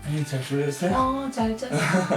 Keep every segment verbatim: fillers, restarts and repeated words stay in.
아니 잘 보냈어요? 어, 잘 잤어.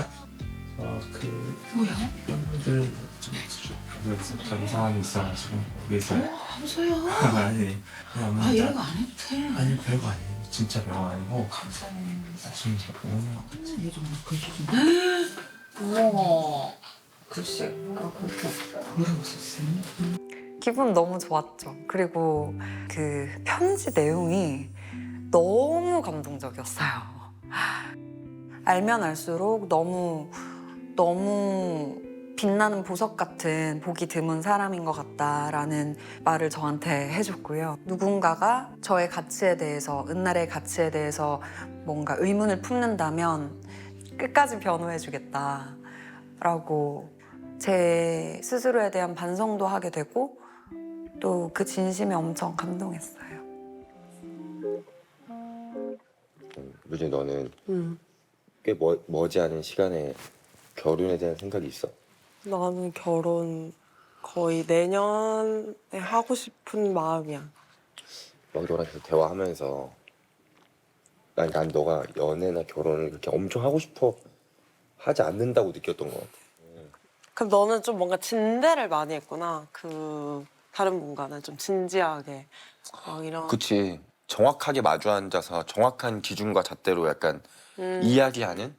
어그 뭐야? 팬분들 좀 그래서 좀 상황이 있어가지고 위해서 어, 함소야. 아니 그냥 아, 이런 거 안 해도 돼. 아니 별거 아니에요. 진짜 별거 아니고 감사해. 나중에 보면 얘 좀 글씨 좀. 어머. 글씨. 아, 그렇게. 뭐라고 썼어요? 기분 너무 좋았죠. 그리고 그 편지 내용이 너무 감동적이었어요. 알면 알수록 너무 너무 빛나는 보석 같은 보기 드문 사람인 것 같다라는 말을 저한테 해줬고요. 누군가가 저의 가치에 대해서, 은날의 가치에 대해서 뭔가 의문을 품는다면 끝까지 변호해주겠다라고 제 스스로에 대한 반성도 하게 되고 또 그 진심에 엄청 감동했어요. 루지 너는 응. 꽤 멀, 머지않은 시간에 결혼에 대한 생각이 있어? 나는 결혼 거의 내년에 하고 싶은 마음이야. 막 너랑 계속 대화하면서 난, 난 너가 연애나 결혼을 그렇게 엄청 하고 싶어 하지 않는다고 느꼈던 것 같아. 그럼 너는 좀 뭔가 진대를 많이 했구나. 그 다른 분과는 좀 진지하게 막 이런. 그치. 정확하게 마주 앉아서 정확한 기준과 잣대로 약간 음. 이야기하는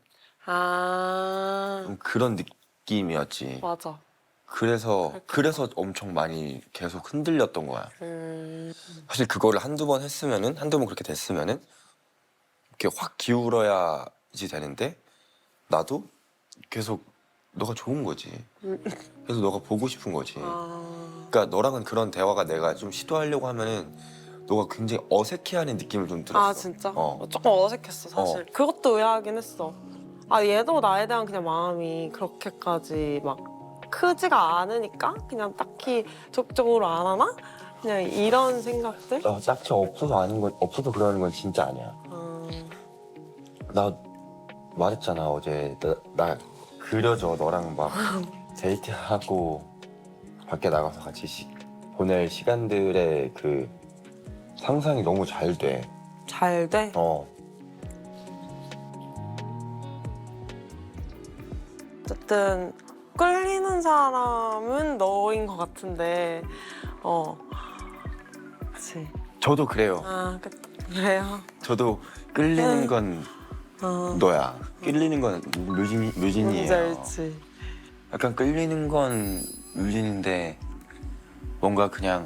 아 좀 그런 느낌이었지. 맞아. 그래서 그렇겠다. 그래서 엄청 많이 계속 흔들렸던 거야. 음. 사실 그거를 한두 번 했으면은 한두 번 그렇게 됐으면은 이렇게 확 기울어야지 되는데 나도 계속 너가 좋은 거지. 그래서 너가 보고 싶은 거지. 아. 그러니까 너랑은 그런 대화가 내가 좀 시도하려고 하면은 너가 굉장히 어색해하는 느낌을 좀 들었어. 아 진짜? 어. 어, 조금 어색했어 사실. 어. 그것도 의아하긴 했어. 아 얘도 나에 대한 그냥 마음이 그렇게까지 막 크지가 않으니까 그냥 딱히 적극적으로 안 하나? 그냥 이런 생각들? 나 딱히 없어서 아닌 건 없어서 그러는 건 진짜 아니야. 음. 나 말했잖아 어제 나, 나 그려져 너랑 막 데이트하고 밖에 나가서 같이 시, 보낼 시간들의 그 상상이 너무 잘 돼. 잘 돼? 어. 어쨌든 끌리는 사람은 너인 것 같은데 어 그치. 저도 그래요. 아 그, 그래요? 저도 끌리는 건 어 너야. 끌리는 건 류진, 뭔지 류진이에요. 알지. 약간 끌리는 건 류진인데 뭔가 그냥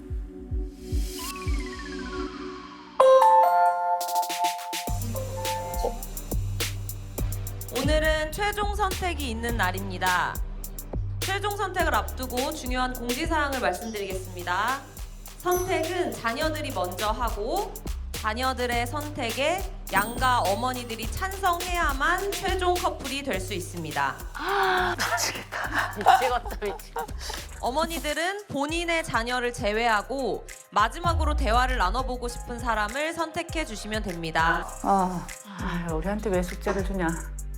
오늘은 최종 선택이 있는 날입니다. 최종 선택을 앞두고 중요한 공지사항을 말씀드리겠습니다. 선택은 자녀들이 먼저 하고 자녀들의 선택에 양가 어머니들이 찬성해야만 최종 커플이 될 수 있습니다. 미치겠다, 미치겠다. 어머니들은 본인의 자녀를 제외하고 마지막으로 대화를 나눠보고 싶은 사람을 선택해 주시면 됩니다. 아, 아, 우리한테 왜 숙제를 주냐.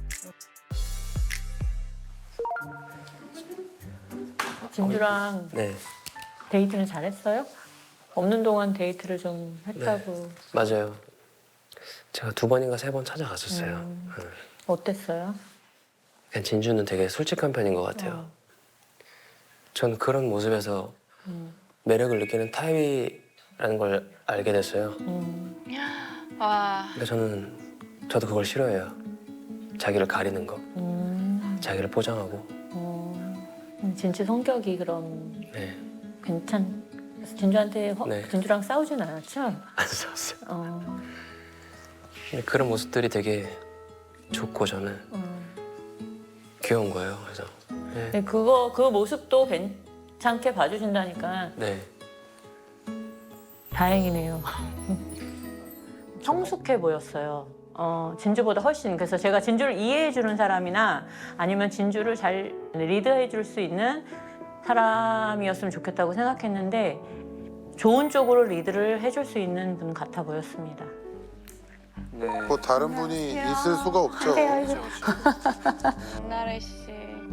진주랑 네, 데이트는 잘했어요? 없는 동안 데이트를 좀 했다고. 맞아요. 제가 두 번인가 세 번 찾아갔었어요. 음. 네. 어땠어요? 그냥 진주는 되게 솔직한 편인 것 같아요. 어. 전 그런 모습에서 음. 매력을 느끼는 타입이라는 걸 알게 됐어요. 음. 근데 저는 저도 그걸 싫어해요. 자기를 가리는 거, 음. 자기를 포장하고. 어. 음, 진주 성격이 그럼 네, 괜찮. 그래서 진주한테 허, 네. 진주랑 싸우진 않았죠? 안 싸웠어요. 어. 근데 그런 모습들이 되게 좋고 저는 어. 귀여운 거예요. 그래서 네, 근데 그거 그 모습도 괜찮게 봐주신다니까 네. 다행이네요. 성숙해 보였어요. 어, 진주보다 훨씬. 그래서 제가 진주를 이해해 주는 사람이나 아니면 진주를 잘 리드해 줄 수 있는 사람이었으면 좋겠다고 생각했는데 좋은 쪽으로 리드를 해줄 수 있는 분 같아 보였습니다. 뭐 다른 분이 있을 수가 없죠. 나래 씨.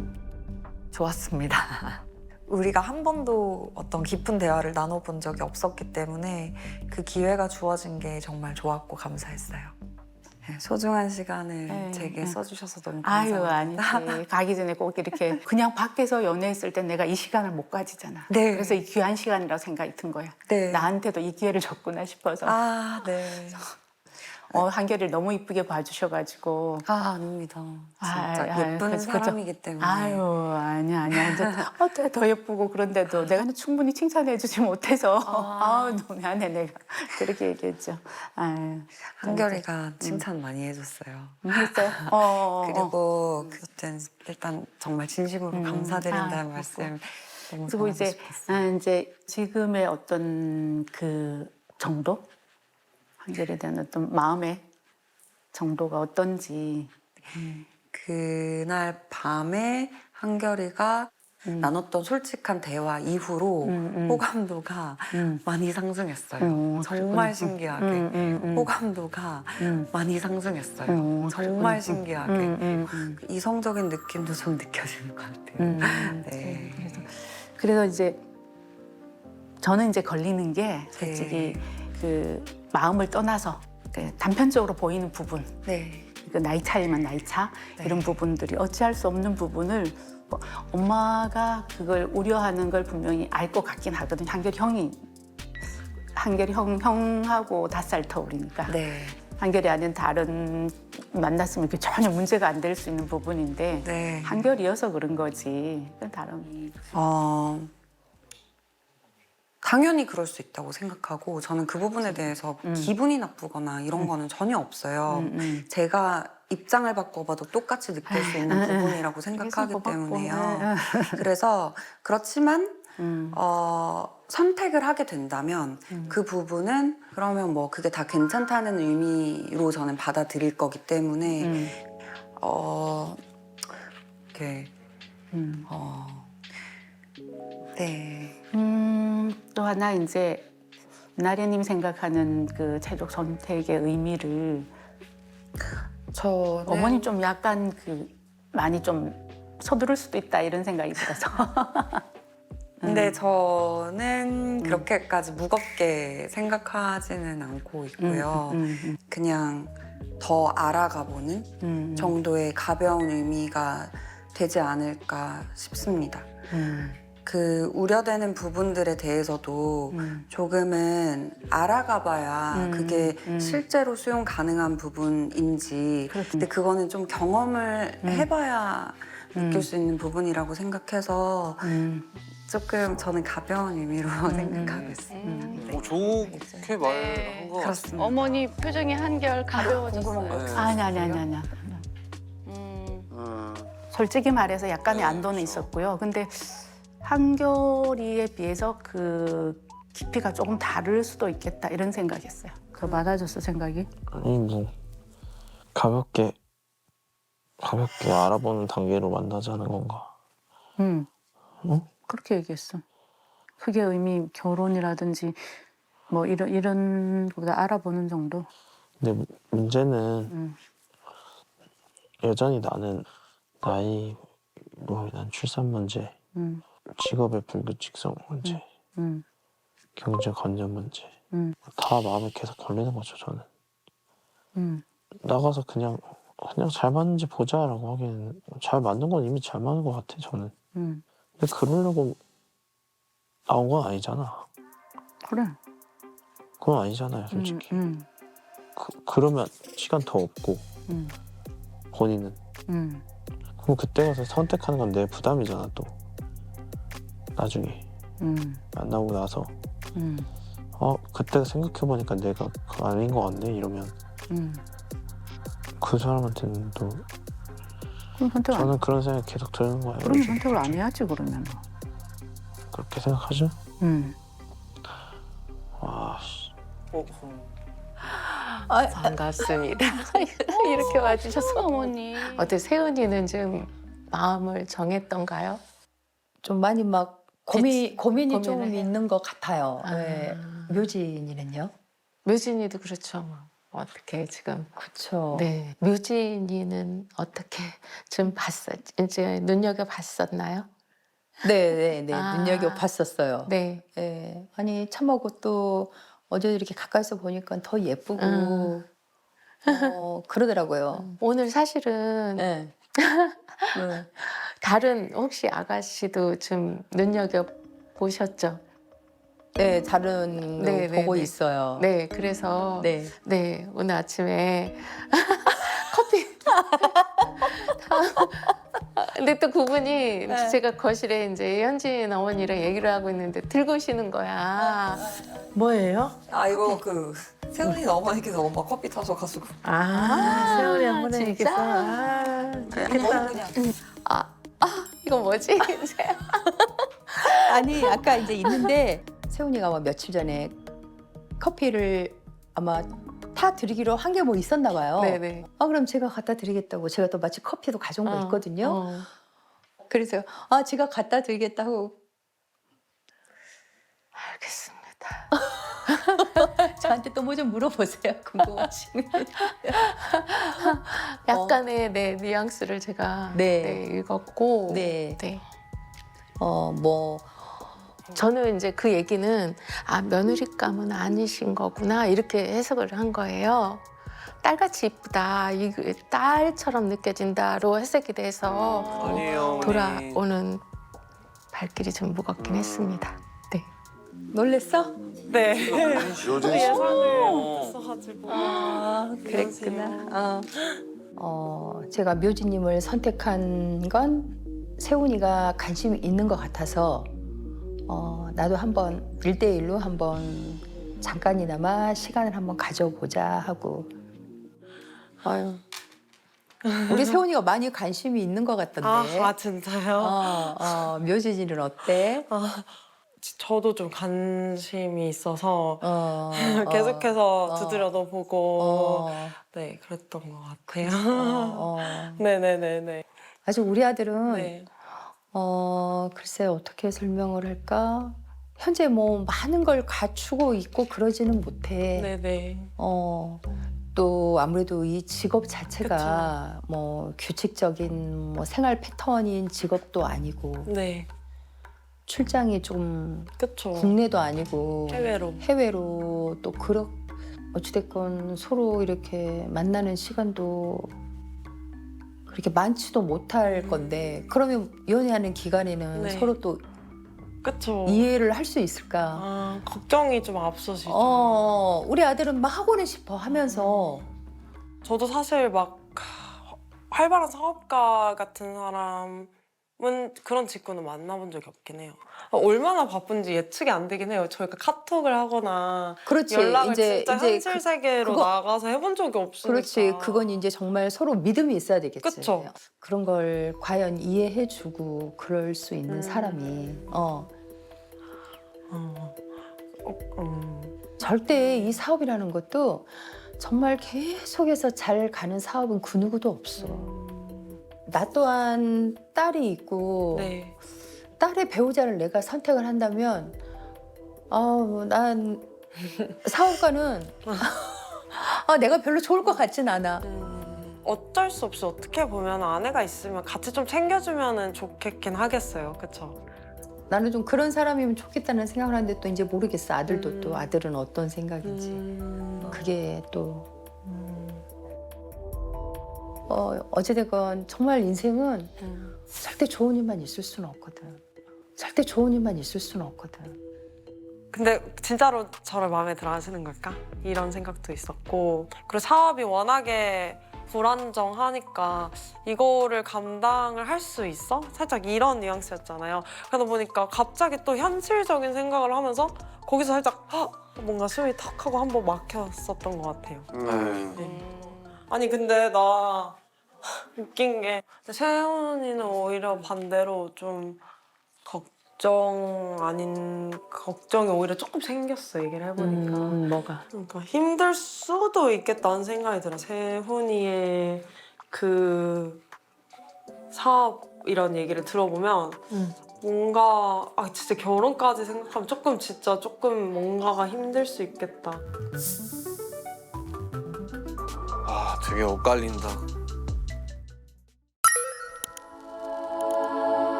좋았습니다. 우리가 한 번도 어떤 깊은 대화를 나눠본 적이 없었기 때문에 그 기회가 주어진 게 정말 좋았고 감사했어요. 네, 소중한 시간을 네, 제게 네. 써주셔서 너무 아유 감사합니다. 아니지. 가기 전에 꼭 이렇게 그냥 밖에서 연애했을 땐 내가 이 시간을 못 가지잖아. 네. 그래서 이 귀한 시간이라고 생각이 든 거야. 네. 나한테도 이 기회를 줬구나 싶어서. 아, 네. 어, 한결이를 너무 이쁘게 봐주셔가지고. 아, 아닙니다. 진짜 아이, 아이, 예쁜 그래서 그저- 사람이기 때문에. 아유 아니야 아니야. 이제 어때 더 예쁘고 그런데도 내가 충분히 칭찬해주지 못해서 아. 우 너무 미안해 내가 그렇게 얘기했죠. 아유 한결이가 칭찬 많이 해줬어요. 음, 했어요. 어, 어, 어. 그리고 그때는 일단 정말 진심으로 음. 감사드린다는 아, 말씀 너무 그리고 전하고 이제 싶었어요. 아, 이제 지금의 어떤 그 정도 한결에 대한 어떤 마음의 정도가 어떤지. 그날 밤에 한결이가 음. 나눴던 솔직한 대화 이후로 음, 음. 호감도가 음. 많이 상승했어요. 음, 정말 그렇구나. 신기하게 음, 음, 음. 호감도가 음. 많이 상승했어요. 음, 정말 그렇구나. 신기하게 음, 음, 음. 이성적인 느낌도 좀 느껴지는 것 같아요. 음. 네. 그래서 그래서 이제 저는 이제 걸리는 게 솔직히 그 마음을 떠나서 그 단편적으로 보이는 부분, 네. 그 나이 차이면 나이 차 네. 이런 부분들이 어찌할 수 없는 부분을 뭐 엄마가 그걸 우려하는 걸 분명히 알 것 같긴 하거든요. 한결이 형이 한결이 형 형하고 다섯 살 터울이니까 네. 한결이 아닌 다른 만났으면 그 전혀 문제가 안 될 수 있는 부분인데 네. 한결이어서 그런 거지. 그건 다른. 어, 당연히 그럴 수 있다고 생각하고 저는 그 부분에 대해서 음. 기분이 나쁘거나 이런 음. 거는 전혀 없어요. 음, 음. 제가 입장을 바꿔봐도 똑같이 느낄 수 있는 아, 아, 부분이라고 생각하기 뭐 바꿔. 때문에요. 아, 아. 그래서 그렇지만 음. 어, 선택을 하게 된다면 음. 그 부분은 그러면 뭐 그게 다 괜찮다는 의미로 저는 받아들일 거기 때문에 음. 어, 이렇게 음. 어, 네. 음, 또 하나 이제 나래님 생각하는 그 최종 선택의 의미를 저는 어머니 좀 약간 그 많이 좀 서두를 수도 있다 이런 생각이 들어서. 근데 음. 저는 그렇게까지 무겁게 생각하지는 않고 있고요. 음, 음, 음, 그냥 더 알아가보는 음, 정도의 가벼운 의미가 되지 않을까 싶습니다. 음, 그 우려되는 부분들에 대해서도 음. 조금은 알아가봐야 음, 그게 음. 실제로 수용 가능한 부분인지 그렇군요. 근데 그거는 좀 경험을 음. 해봐야 느낄 음. 수 있는 부분이라고 생각해서 음, 조금 저는 가벼운 의미로 음, 생각하고 있어요. 음. 어, 좋게 말한 거 같아요. 그렇습니다. 어머니 표정이 한결 가벼워졌어요. 아니 아니 아니 아니. 음. 음. 솔직히 말해서 약간의 네, 안도는 그렇죠. 있었고요. 근데 한결이에 비해서 그 깊이가 조금 다를 수도 있겠다 이런 생각했어요. 그 많아졌어 생각이? 아니 뭐 가볍게 가볍게 알아보는 단계로 만나자는 건가? 응. 응? 그렇게 얘기했어. 크게 의미 결혼이라든지 뭐 이런 이런 거보다 알아보는 정도. 근데 무- 문제는 응. 여전히 나는 나이 뭐 난 출산 문제, 응. 직업의 불규칙성 문제, 응. 경제 관련 문제 응. 다 마음에 계속 걸리는 거죠 저는. 응. 나가서 그냥 그냥 잘 맞는지 보자라고 하기에는 잘 맞는 건 이미 잘 맞는 것 같아 저는. 응. 근데 그러려고 나온 건 아니잖아. 그래. 그건 아니잖아요 솔직히. 응. 그, 그러면 시간 더 없고 응. 본인은. 응. 그럼 그때 가서 선택하는 건 내 부담이잖아 또. 나중에 응. 만나고 나서 응. 어 그때 생각해보니까 내가 그거 아닌 것 같네 이러면 응. 그 사람한테는 또 그럼 선택 안. 저는 그런 생각이 계속 드는 거예요. 그럼 요즘. 선택을 안 해야지 그러면. 그렇게 생각하죠? 응. 와 씨. 반갑습니다. 이렇게 와주셔서. 어머니. 어때 세은이는 좀 마음을 정했던가요? 좀 많이 막 고민 고민이 고민을 좀 해요? 있는 것 같아요. 아. 네. 묘진이는요? 묘진이도 그렇죠. 뭐. 어떻게 지금 그렇죠. 네 묘진이는 어떻게 좀 봤어 이제 눈여겨 봤었나요? 네, 네, 네. 아. 눈여겨 봤었어요. 네. 네. 아니 참하고 또 어제 이렇게 가까이서 보니까 더 예쁘고 음. 어, 그러더라고요. 오늘 사실은 네. 네. 다른 혹시 아가씨도 좀 눈여겨 보셨죠? 네, 다른 거 네, 네, 보고 네. 있어요. 네, 그래서 네. 네, 오늘 아침에 커피. 근데 또 그분이 네. 제가 거실에 이제 현진 어머니랑 얘기를 하고 있는데 들고 오시는 거야. 뭐예요? 아 이거 그 세훈이 어머니께서 엄마 커피 타서 가지고. 아, 세월이 한 번에 진짜? 얘기했어. 아, 그냥 그냥. 아, 아, 이거 뭐지? 아니 아까 이제 있는데 세훈이가 뭐 며칠 전에 커피를 아마 타 드리기로 한 게 뭐 있었나 봐요. 네네. 아 그럼 제가 갖다 드리겠다고 제가 또 마치 커피도 가져온 거 어, 있거든요. 어. 그래서 아 제가 갖다 드리겠다고 알겠습니다. 저한테 또 뭐 좀 물어보세요. 궁금하시면. 약간의 네, 뉘앙스를 제가 네. 네, 읽었고 네. 네. 어 뭐 저는 이제 그 얘기는 아 며느리감은 아니신 거구나 이렇게 해석을 한 거예요. 딸같이 이쁘다, 이 딸처럼 느껴진다로 해석이 돼서 아니에요. 돌아오는 발길이 좀 무겁긴 했습니다. 네. 놀랬어? 네. 요즘 예상을 못했어가지고. 아 그랬구나. 어. 어 제가 묘지님을 선택한 건 세훈이가 관심이 있는 것 같아서 어 나도 한번 일대일로 한번 잠깐이나마 시간을 한번 가져보자 하고. 아유. 우리 세훈이가 많이 관심이 있는 것 같던데. 아, 아 진짜요? 어, 어, 묘지진은 어때? 아, 저도 좀 관심이 있어서 어, 계속해서 어, 두드려도 보고 어, 네 그랬던 것 같아요. 어, 어. 네네네네. 아주 우리 아들은 네. 어 글쎄 어떻게 설명을 할까? 현재 뭐 많은 걸 갖추고 있고 그러지는 못해. 네네. 어. 또 아무래도 이 직업 자체가 뭐 규칙적인 뭐 생활 패턴인 직업도 아니고 네. 출장이 좀 그쵸. 국내도 아니고 해외로. 해외로 또 그렇 어찌됐건 서로 이렇게 만나는 시간도 그렇게 많지도 못할 건데 그러면 연애하는 기간에는 네. 서로 또 그쵸. 이해를 할 수 있을까? 아 걱정이 좀 앞서시죠. 어, 우리 아들은 막 하고는 싶어 하면서 저도 사실 막 활발한 사업가 같은 사람은 그런 직군은 만나본 적이 없긴 해요. 얼마나 바쁜지 예측이 안 되긴 해요. 저희가 카톡을 하거나 그렇지 연락을 이제 진짜 이제 현실 그- 세계로 그거- 나가서 해본 적이 없으니까. 그렇지 그건 이제 정말 서로 믿음이 있어야 되겠지. 그쵸. 그런 걸 과연 이해해주고 그럴 수 있는 음. 사람이 어. 어, 어, 음. 절대 이 사업이라는 것도 정말 계속해서 잘 가는 사업은 그 누구도 없어. 나 또한 딸이 있고 네. 딸의 배우자를 내가 선택을 한다면 어, 난 사업가는 아, 내가 별로 좋을 것 같진 않아. 음, 어쩔 수 없이 어떻게 보면 아내가 있으면 같이 좀 챙겨주면 좋겠긴 하겠어요. 그쵸? 나는 좀 그런 사람이면 좋겠다는 생각을 하는데 또 이제 모르겠어. 아들도 음. 또 아들은 어떤 생각인지. 음, 그게 또 음, 어, 어찌됐건 정말 인생은 음. 절대 좋은 일만 있을 수는 없거든. 절대 좋은 일만 있을 수는 없거든. 근데 진짜로 저를 마음에 들어 하시는 걸까? 이런 생각도 있었고 그리고 사업이 워낙에 불안정하니까 이거를 감당을 할 수 있어? 살짝 이런 뉘앙스였잖아요. 그러다 보니까 갑자기 또 현실적인 생각을 하면서 거기서 살짝 헉! 뭔가 숨이 턱 하고 한번 막혔었던 것 같아요. 음. 아니 근데 나 웃긴 게 세훈이는 오히려 반대로 좀 걱정 아닌 걱정이 오히려 조금 생겼어 얘기를 해보니까. 음, 뭐가? 그러니까 힘들 수도 있겠다는 생각이 들어. 세훈이의 그 사업 이런 얘기를 들어보면 음. 뭔가 아 진짜 결혼까지 생각하면 조금 진짜 조금 뭔가가 힘들 수 있겠다. 아 되게 엇갈린다.